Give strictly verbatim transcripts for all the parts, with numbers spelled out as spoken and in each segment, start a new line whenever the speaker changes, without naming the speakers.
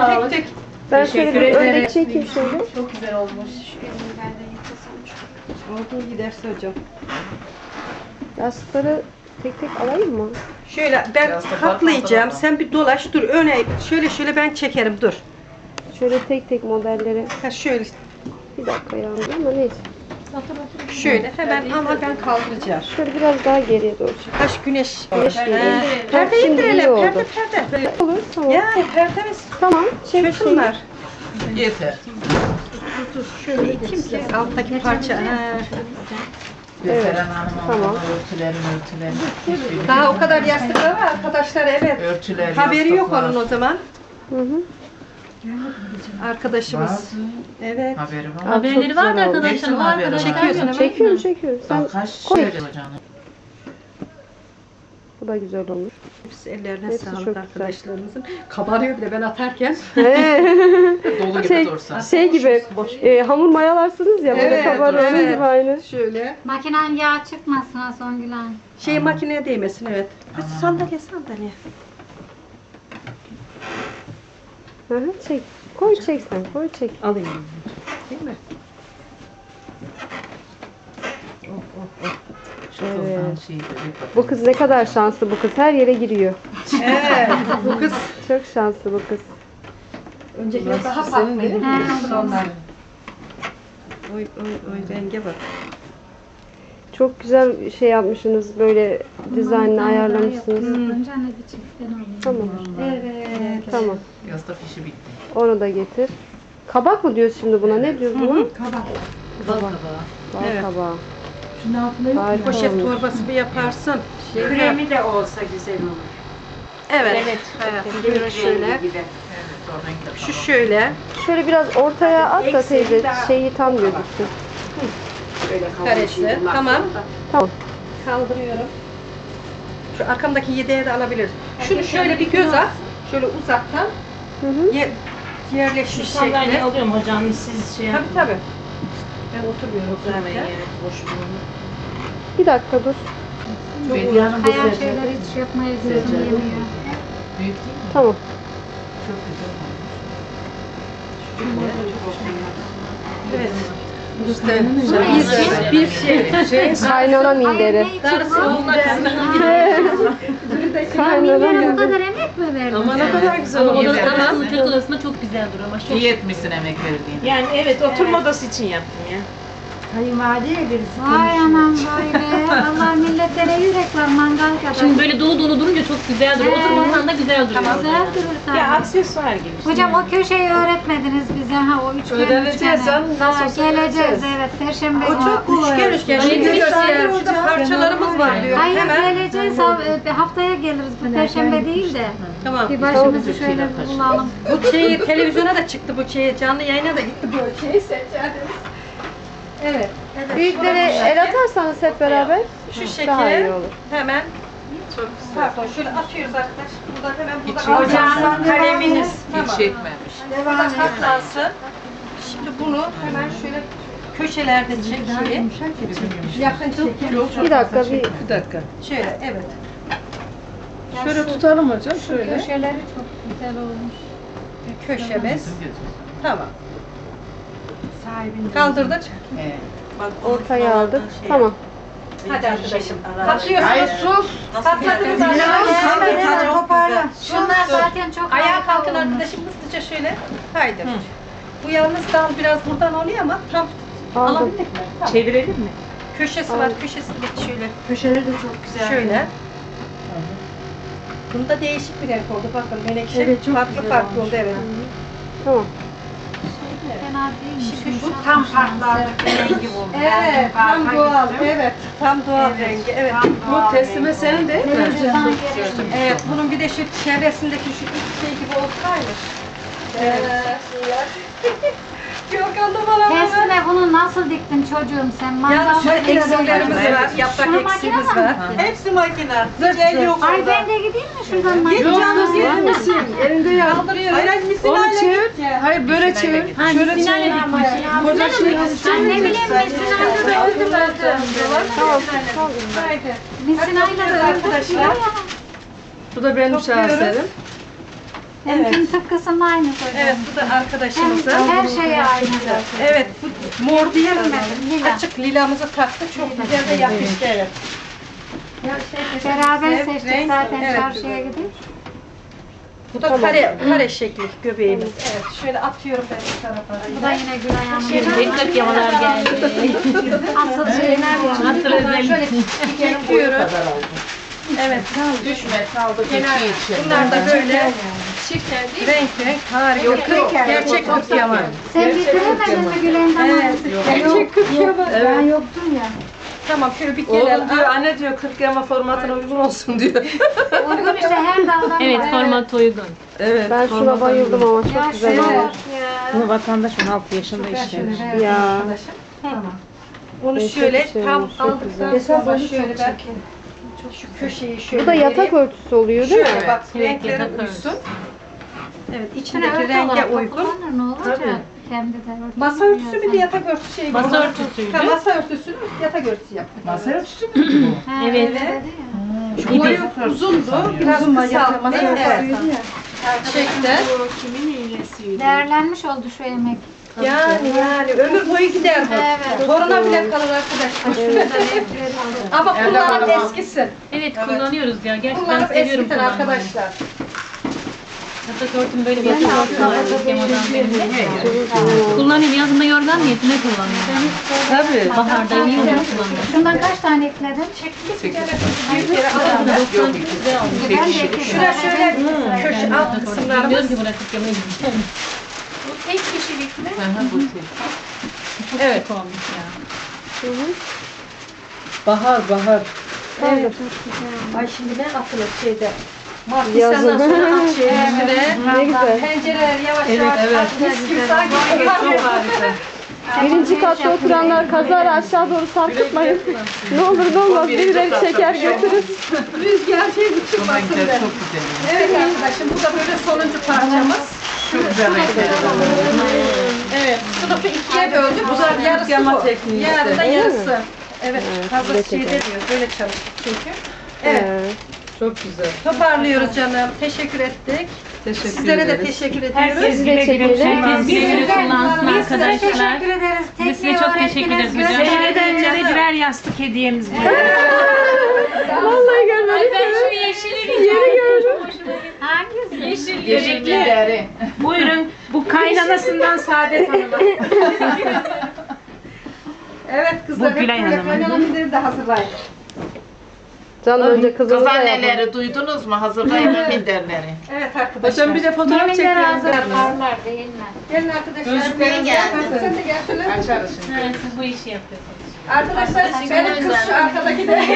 sağlık.
tek tek.
Ben şöyle
Teşekkür
bir
ederim.
örnek çekeyim şöyle.
Çok güzel olmuş.
Olduğu giderse hocam.
Yastıkları tek tek alayım mı?
Şöyle ben
Biraz da
katlayacağım.
bakmadan
Sen bir dolaş dur. Öne şöyle şöyle ben çekerim dur.
Şöyle tek tek modelleri.
Ha şöyle
Bir dakika yandı ama neyse.
şöyle hemen ama ben kaldıracağım.
Şöyle biraz daha geriye doğru çek.
Taş güneş.
Güneş geliyor.
Perde
Şimdi iyi
indirelim.
oldu.
Perde perde.
Olur tamam.
Yani perdemiz
Tamam. Çek
şöyle
şeyi.
bunlar.
Yeter.
Dur dur şöyle iteyim ki alttaki parça. Ha.
Evet,
Göteren Hanım
tamam.
tamam. örtülerim örtülerim. Hiçbiri
Daha o kadar yastıklar var arkadaşlar evet.
örtüler,
Haberi yok
yastıklar.
onun o zaman.
Hı hı.
Arkadaşımız.
Bazı
Evet.
haberi var.
Abi,
Haberleri
çok
var da
güzel oldu.
arkadaşlar.
Hepsinin
O
haberi var.
arkadaşlar
Çekiyorsun
yok.
ama.
Çekiyorum çekiyorum. Sen
Bak kaç
koy.
şey canım.
Bu da güzel olmuş.
Hepsi ellerine
Hepsi çok
sağlık
güzel.
arkadaşlarımızın. Kabarıyor bile ben atarken.
Dolu gibi
şey,
dursa.
şey gibi e, hamur mayalarsınız ya böyle
Evet,
kabarıyor onun
evet.
gibi aynı.
Şöyle.
Makinen yağ çıkmasın ha Songül Hanım.
Şey makineye değmesin evet. Hadi sandalye sandalye.
Hı hı, çek. Koy çek sen koy çek.
Alayım. Değil mi?
Şu kızdan şeydi, bir bakın.
Bu kız ne kadar şanslı bu kız her yere giriyor.
Evet. Bu kız
Çok şanslı bu kız.
öncekiler daha
Senin
farklı.
değil mi?
He,
Onlar. Oy oy oy renge bak.
Çok güzel şey yapmışsınız böyle dizaynını ayarlamışsınız.
Önce ne bir çiftten alayım.
Tamam.
Evet.
Tamam.
Yastık işi bitti.
Onu da getir. Kabak mı diyoruz şimdi buna? Ne diyoruz buna?
Kabak.
Bal kabağı.
Bal
Evet.
kabağı.
Şunun altında yok mu?
Harika
Poşet
olmuş.
torbası bir yaparsın.
Kremi de olsa güzel olur.
Evet. Evet. Hayatım buyurun şöyle.
Rengi gibi.
Evet, o renkte
Şu
tamam.
şöyle.
Şöyle biraz ortaya at da
Eksiği
teyze
daha-
şeyi tam gözüksün.
Böyle
Karesi.
kavuşuydu.
Tamam.
Tamam.
Kaldırıyorum. Şu arkamdaki yedeğe de alabilir. Şunu şöyle bir göz at. Şöyle uzaktan.
Hı hı.
Ye yerleşmiş
Sandalye
şekli.
alıyorum hocam siz şey
Tabii
yapın.
tabii. Ben oturuyorum
Hemen
zaten.
yeri boş bulunur.
Bir dakika dur.
Bir yanım bu
Hayal
sefer-
şeyler hiç yapmaya gözüm yemiyor.
Büyük değil mi?
Tamam.
Çok güzel olmuş.
Evet. İşte bir, bir şey. şey
Kaynana minderi.
Ay, ne için bu?
Kaynana
Bunlara bu
minderi.
kadar emek mi verdin?
Ama ne
sen?
kadar güzel
Ama
oldu.
odada
Tamam.
mutfak odasında çok güzel duruyor ama çok.
İyi etmişsin emek verdiğin.
Yani evet oturma odası için yaptım ya.
Kayınvalideye birisi
Vay anam böyle. Allah milletlere yürek var mangal kadar.
Şimdi böyle dolu dolu durunca çok güzel duruyor.
Ee,
Oturmasan da güzel duruyor.
Güzel durur tabii.
Ya aksesuar gibi. işte.
Hocam o köşeyi öğretmediniz bize ha o üçgen
Öğreneceğiz
üçgeni.
canım, nasıl
Ha,
olsa
geleceğiz
öğreneceğiz.
evet perşembe
O çok
günü.
üçgen üçgen.
Hayır,
Şimdi
bir
göster. Burada parçalarımız var diyor.
Hayır
Hemen.
geleceğiz ha- e, haftaya geliriz bu perşembe değil de.
Tamam.
Bir başımızı şöyle bulalım.
Bu şeyi televizyona da çıktı bu şeyi. Canlı yayına da gitti bu şeyi seçerdiniz. Evet.
Büyükleri el atarsanız hep beraber
Şu
daha iyi
şekilde
olur.
hemen pardon şöyle atıyoruz arkadaş. Buradan hemen
Hiç
burada
Ocağın kaleminiz.
Hiç çekmemiş.
Burada katlansın. Şimdi bunu hemen şöyle köşelerde çekeyim. Yakın çekelim.
Bir dakika bir
Bir dakika. Şöyle evet.
şöyle tutalım hocam şöyle.
Köşeleri çok güzel olmuş.
Bir köşemiz.
Gözüm gözüm.
Tamam.
Sahibinde.
Kaldırdık.
Evet.
Bak
Ortaya aldık. Tamam.
Hadi arkadaşım. Katlıyorsunuz. Sus. Katladınız
Hadi
aşağıya.
toparla.
Şunlar zaten çok
Ayağa
harika
kalkın
olmuş.
arkadaşım hızlıca şöyle. Haydi. Bu yalnız dal biraz buradan oluyor ama tam
Aldım.
alabildik mi? Tamam.
Çevirelim mi?
Köşesi var, köşesindeki şöyle.
Köşeleri de çok güzel.
Şöyle. Bunda değişik bir renk oldu. Bakın menekşe
Evet, çok
farklı
güzel
farklı
olmuş.
oldu evet.
Tamam.
Fena değilmiş.
Şimdi
Bu tam farklı artık bir rengi buldu.
Evet, tam
farka
doğal.
gittim.
Evet, tam doğal
Evet,
rengi. Evet.
tam doğal
Bu teslime
rengi
senin değil mi?
Televizyondan gelişmiş.
Evet, bunun bir de şu çevresindeki şu iç şey gibi olsaymış. Evet. Gökhan da bana bana.
Tersine bunu nasıl diktin çocuğum sen?
Yalnız
Mangal
şöyle
makinesi
eksiklerimiz
var.
var, yaprak
Şunu
eksiğimiz
makine mi
var.
diktin?
Hepsi makine. Zırh yok
Ay
orada.
ben de gideyim mi şuradan makine?
Git canım,
Var
git.
mısın? Elinde ya.
Kaldırıyoruz.
Hayır,
Onu çevir. Hayır böyle çevir.
Ha,
Şöyle
misinayla
çevir.
dikmiş.
Koca şey.
Ben ne bileyim misinayla da öldüm öldüm.
Tamam. Tamam.
Misinayla da öldüm.
Arkadaşlar.
Bu da benim şaheserim.
Benimkinin tıpkısının aynısı hocam.
Evet, bu da arkadaşımızın.
Hem, her şey aynı.
Evet, bu mor değil
Lila.
açık lilamızı taktı. Çok güzel de yakıştı. Evet.
Beraber
Evet,
seçtik
renk,
zaten
evet.
çarşıya gidip.
Bu da kare, kare şekli göbeğimiz. Evet, şöyle atıyorum ben bu tarafa.
Bu da yine Gülay Hanım'ın.
Ekmek yamalar geldi.
Asıl şeyler var.
Hatır özellik.
Çekiyoruz. Evet.
Düşme kaldı geçi için.
Bunlar da böyle renk renk harika. Gerçek kurt yaman.
Sen bitiremedin mi Gülay Hanım?
Evet. Gerçek kurt yaman.
Ben yoktum ya.
Tamam şöyle bir gelelim.
Oğlum diyor anne diyor kırk yama formatına uygun olsun diyor.
Uygun işte her daldan
Evet
var.
format uygun.
Evet.
Ben şuna
formata
bayıldım
uygun.
ama çok
Ya
güzel
şuna
olmuş.
bak ya.
Bunu vatandaş on altı yaşında işlemiş.
Ya.
Onu
Çok
şöyle
güzel
tam
olmuş, çok
aldıktan
güzel.
sonra şöyle belki şu köşeyi şöyle
Bu da yatak
vereyim.
örtüsü oluyor değil mi?
Şöyle bak
Evet,
renkleri
yatak
uysun. Evet
Şuna
içindeki
örtü
renge
olarak da
uygun.
kullanır, ne olacak?
Tabii.
Kendi de örtü.
Masa örtüsü mü bir yatak örtüsü şey?
Masa
gibi.
örtüsüydü.
Ha, masa örtüsünü yatak örtüsü yaptık.
Masa örtüsü mü bu?
Ha,
Evet.
öyle dedi ya.
Şu boyu uzundu. Biraz kısalttı. Evet. Çekti.
Değerlenmiş oldu şu emek.
Yani yani ömür boyu gider bu.
Evet.
Toruna bile kalır arkadaşlar. Ama kullanıp eskisin.
Evet kullanıyoruz ya. Gerçekten
Kullanıp
seviyorum
eskitin
kullanmayı.
arkadaşlar.
Yatak örtüm böyle bir yatak örtüm var. Kırk yamadan benim de. Kullanıyorum. Yazında yorgan niyetine kullanıyorum.
Tabii.
Baharda iyi oluyor kullanıyorum.
Şundan kaç tane ekledin?
Büyük yere alalım.
doksan güzel olmuş.
Ben de ekledim.
Şurada şöyle köşe alt
Bilmiyorum
kısımlarımız.
ki bırakıp yemeğe gideceğim.
Hı hı, bu tek.
Evet.
Çok olmuş ya.
Bahar bahar.
Evet. Ay şimdi ne atılır şeyde. Mart
Yazın.
Nisan'dan sonra at şeyin üstüne.
Ne güzel.
Pencereler yavaş
Evet,
yavaş
evet.
at. Mis gibi sanki
Çok
kokar.
harika.
Birinci katta oturanlar kazara aşağı doğru sarkıtmayın. Ne olur ne olmaz birileri çeker götürür.
Rüzgar şey
Bu
uçurmasın
renkler
diye.
çok güzel.
Evet arkadaşım bu da böyle sonuncu parçamız.
Çok güzel renkler.
Evet. Sınıfı ikiye böldük. Bu da yarısı
Yama
bu.
tekniği işte.
Yarın da
Öyle mi?
yarısı. Evet.
Evet,
Hazır
bir de
şeyde
çekelim.
diyor. Böyle çalıştık çünkü. Evet.
Ee,
Çok güzel.
Toparlıyoruz canım. Teşekkür ettik.
Teşekkür
Sizlere de
ederiz.
teşekkür ediyoruz.
Herkes
Biz de
güle güle
çekelim.
Herkes güle güle kullansın
Biz size
arkadaşlar.
teşekkür ederiz.
Biz size
Tekniği
çok teşekkür ederiz.
öğrettiniz.
Güzel.
Güzel.
birer yastık hediyemiz var.
Vallahi görmedim.
Ben şu yeşili
Yeni gördüm.
Hangisi?
Yeşil
Yeşilli
yeşil.
deri.
Buyurun bu kaynanasından Saadet Hanım'a.
Evet kızlar.
Bu Gülay
hep böyle
Hanım'ın.
kaynanamızları da hazırlayın.
Can önce kızımı
Kız
da yapalım.
anneleri duydunuz mu? Hazırlayın minderleri.
Evet arkadaşlar.
Hocam bir de fotoğraf
Yeminler
çekiyorum.
hazır parlar değil mi?
Gelin arkadaşlar.
Gözlüklerin geldi.
Sen de gel şöyle.
Açarız şimdi.
Evet, siz bu işi yapıyorsunuz.
Arkadaşlar benim kız şu arkadaki de.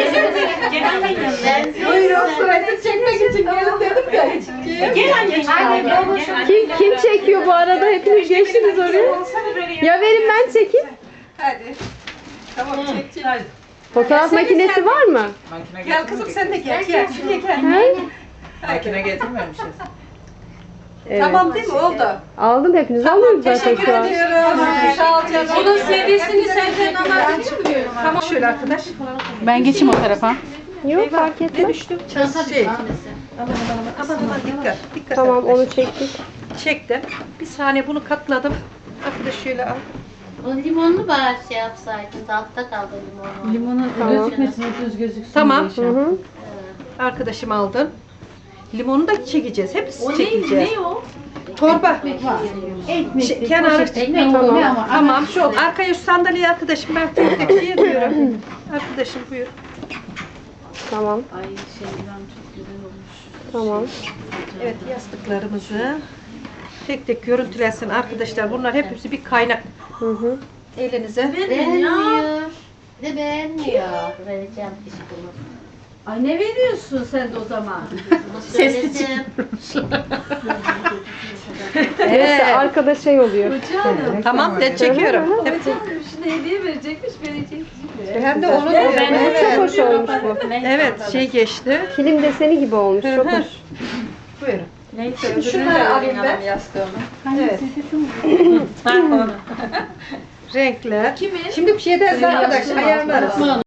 Buyurun sırayı çekmek için gelin dedim ya.
Gel anne.
Hadi baba şu
Kim, kim çekiyor bu arada? Hepiniz geçtiniz oraya. Ya verin ben çekeyim.
Hadi. Tamam çek çek.
Fotoğraf makinesi var mı?
Makine
Gel kızım sen de gel. Gel şuraya gel.
He?
Makine getirmemişiz.
Evet.
Tamam değil mi? Oldu.
Aldım hepiniz alıyoruz zaten
Teşekkür
şu an.
ediyorum. Sağ ol canım.
Bunun C D'sini senden alalım.
Tamam şöyle arkadaş.
Ben geçeyim o tarafa.
Yok fark
Ne
etmez.
düştü? Şey. Aman aman aman. Aman aman dikkat. Dikkat.
Tamam
arkadaş.
onu çektik.
Çektim. Bir saniye bunu katladım. Arkadaş şöyle al.
O limonlu bari şey yapsaydınız, altta kaldı limonu.
Limonu
Tamam.
gözükmesin, düz gözüksün.
Tamam.
Hı hı.
Arkadaşım aldın. Limonu da çekeceğiz. Hepsi
O ne,
çekeceğiz.
ne o?
Torba. Şey, kenarı
Tamam.
Tamam. Şu arkaya şu sandalyeyi arkadaşım ben tek tek şey ediyorum. Arkadaşım buyur.
Tamam.
Ay şeyden çok güzel olmuş.
Tamam.
Evet yastıklarımızı tek tek görüntülensin arkadaşlar. Bunlar hepsi bir kaynak.
Hı hı.
Elinize.
Beğenmiyor. De beğenmiyor. Vereceğim iş bunu.
Ay ne veriyorsun sen de o zaman?
Söyledim.
Evet. Arkada şey oluyor.
Tamam de çekiyorum. Evet.
Şimdi hediye verecekmiş, verecek.
Hem de onu diyorum.
Evet. Çok
Evet.
hoş olmuş bu.
Evet şey geçti.
Kilim deseni gibi olmuş. Çok hoş.
Buyurun. Şimdi şunları alayım ben. Evet.
Bak onu.
Renkler. Şimdi bir şey de arkadaş ayarlarız.